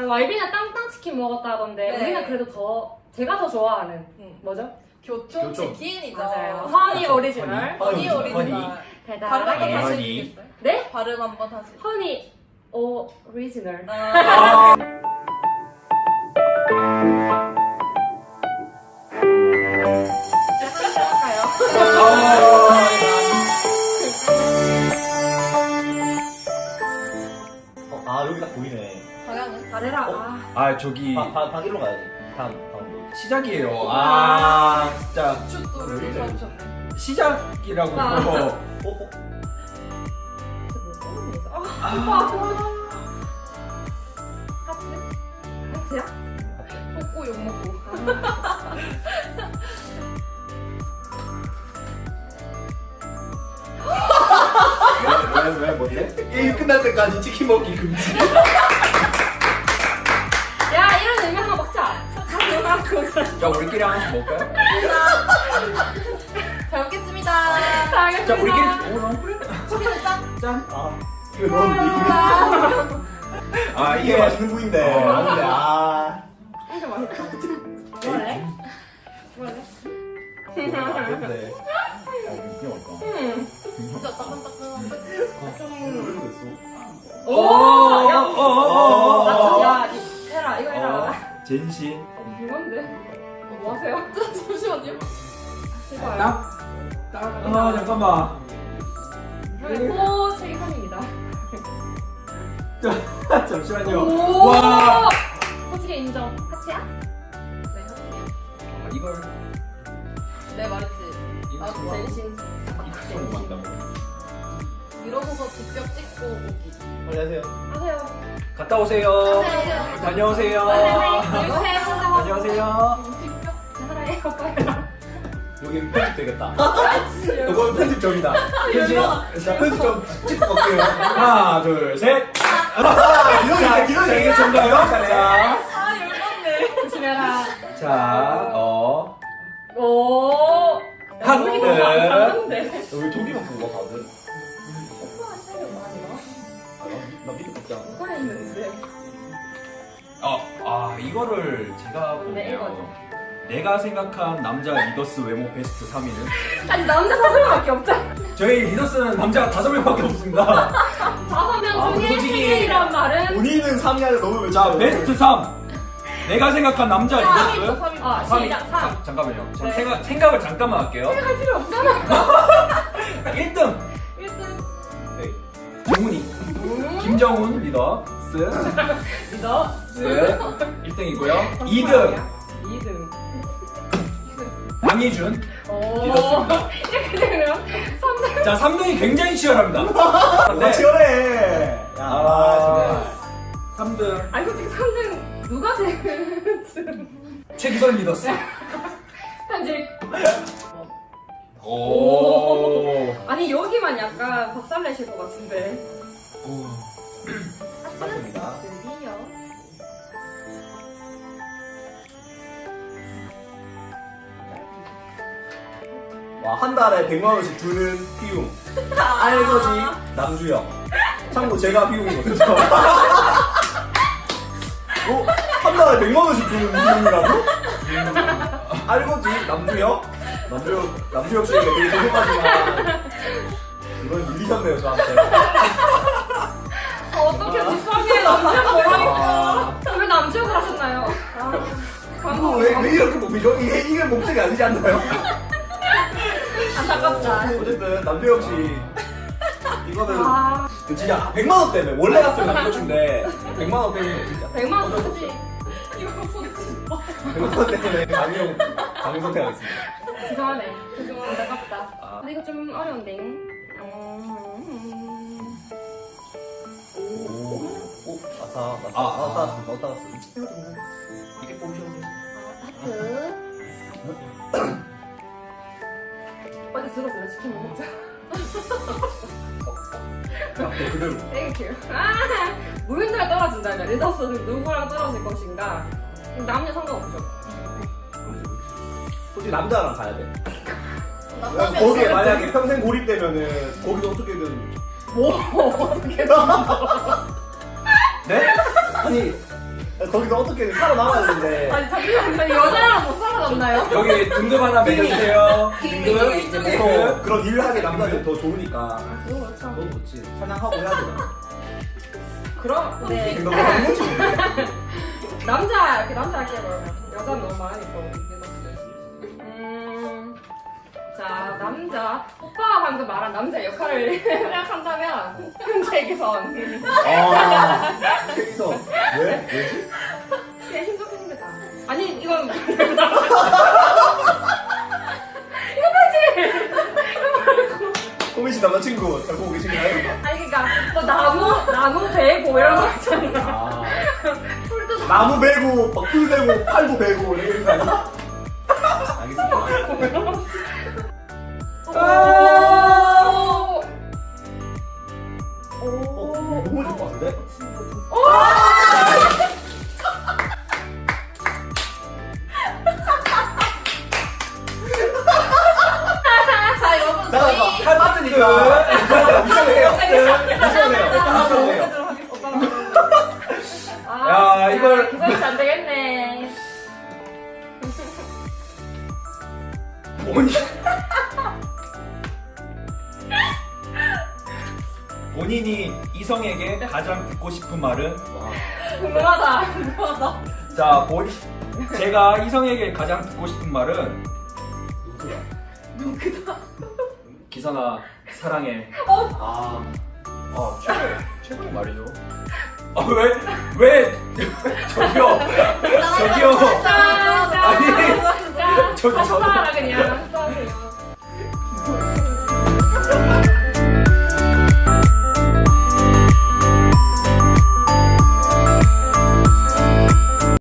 YB는 땅땅치킨 먹었다던데 네. 우리는 그래도 더 제가 더 좋아하는 뭐죠? 교촌치킨이죠. 맞아요. 허니 오리지널. 허니 오리지널. 발음 한번 달달하게. 다시 허니. 해주겠어요? 네? 발음 한번 다시. 허니 오리지널. 아, 아 여기 딱 보이네. 방향은? 잘해라. 어? 아. 저기 방일로 가야지. 다음 뭐. 시작이에요. 아 진짜 슛도를 써주셨네. 시작이라고. 아. 어? 하트야? 먹고 욕 먹고. 왜 뭔데? 게임 끝날 때까지 치킨 먹기 금지. 야 이런 의미 하나 먹자. 자 우리끼리 하나씩 먹을까요? 잘 먹겠습니다. 자 우리끼리 소리는 짠. 짠. 아 이거 넣었는데 아 이게 맛있는 부위인데. 맞는데, 이거 맛있다. 먹을래? 먹을래? 근데 그냥 할까? 진짜 따끈따끈한데. 야 해라 이거 해라. 젠신. 이건데? 뭐 하세요? 잠시만요. 이거요. 아 잠깐만. 호 책임입니다. 잠시만요. 오! 와. 솔직히 인정. 하치야? 네, 할게요. 이걸 네, 말했지. 이거 아, 좋아. 전신. 너무 많다고. 이러고서 직접 찍고 오기. 빨리 하세요. 하세요. 갔다 오세요. 하세요. 다녀오세요. 안녕하세요. 안녕하세요. 직접. 사랑해 오빠야. 여기 편집 되겠다. 이건 편집 점이다. 편집. 자 편집 점 찍고 갈게요. 하나 둘 셋. 자 이게 정가요? 자. 아, 열받네. 조심해라. 자, 오. 하트. 잘하는데. 왜 독이만 보고 다들? 오빠가 시간이 많이 나 밑에 먹자. 오빠 했는데. 이거를 제가 네, 이거죠. 보면 내가 생각한 남자 리더스 외모 베스트 3위는 아니 남자 5명밖에 없잖아. 저희 리더스는 남자가 5명밖에 없습니다. 5명 중에 솔직히 3명이란 말은 본인은 3위 안에 넣으면 자, 베스트 3. 내가 생각한 남자 리더스. 3위. 아 3위. 시작 3. 잠깐만요. 저 네. 생각을 잠깐만 할게요. 할 필요 없잖아. 1등 1등. 네. 정훈이. 김정훈 리더스. 믿어. 1등이고요. 2등 2등. 양희준 오. 리더스입니다. 이렇게 되면 3등. 자, 3등이 굉장히 치열합니다. 네. 치열해. 야, 아, 3등 아니 솔직히 3등 누가 제일 최기선 리더스. 편집. 오. 아니 여기만 약간 박살내실 것 같은데. 맞습니다. 드디어. 와, 한 달에 100만 원씩 주는 피움. 알거지 남주혁. 참고 제가 피움이거든요. 한 달에 100만 원씩 주는 피움이라고? 알거지 남주혁. 남주혁 씨에게 되게 죄송하지만 이건 밀리셨네요 저한테. 어떻게 뒷방에 남주혁 뭐라니까. 왜 남주혁을 하셨나요? 광고. 왜 이렇게 뽑히죠? 이게 목적이 아니지 않나요? 안타깝다. 어쨌든 남주혁 씨 이거는 아, 진짜 100만 원 때문에 원래 같으면 남겨준데 100만 원 때문에 진짜 100만 원 쓰지. 이거 손짓. 100만 원 때문에 강용 선택하겠습니다. 죄송하네. 죄송하네. 안타깝다. 아. 근데 이거 좀 어려운데. 오, 아싸, 따랐습니다. 이게 뽑으셨네요. 하트. 어디 들어서 치킨 먹자. 네, 그대로. 땡큐. 아, 무인도에 떨어진다면 리더스는 누구랑 떨어질 것인가? 남녀 상관없죠. 솔직히 남자랑 가야 돼. 남자면 거기에 진짜 만약에 평생 고립되면은 거기서 어떻게든 뭐 어떻게 네? 아니 거기서 어떻게 살아남아야 되는데. 아니 잠시만요. 여자랑 못 살아남나요? 여기 등급 하나 매겨주세요. 등급 이제 또 그런 일을 하게 남자들 더 좋으니까. 아 그거 그렇죠. 너무 좋지. 사냥하고 해야 되나? 그럼 네. 너무 하는 거지. 남자 이렇게 남자 할게요 그러면. 여자는 너무 많으니까 우리 자 남자 오빠가 방금 말한 남자 역할을 생각한다면 현재기선 여기서 왜? 왜지? 그냥 힘 좋게 생겼다. 아니 이건 호민 씨 남자친구 잘 보고 계신가요? 아니 그러니까 뭐 나무 베고 이런 거 있잖아. 아. 풀도 나무 베고, 풀 베고, 팔도 베고 이런 거 아니야? 알겠습니다. 너무 좋을 것 같은데? 자 여러분 나 저희 할 빠뜨니까 미션을 해요. 미션을 해요. 야, 이걸- 기선이 안 되겠네. 본인이 이성에게 가장 듣고 싶은 말은? 궁금하다. 자, 제가 이성에게 가장 듣고 싶은 말은? 누구야? 기선아, 사랑해. 최고의 말이죠. 왜? 저기요. 저기요. 짠, 짠, 아니, 짠. 저기 다시 저도. 살아.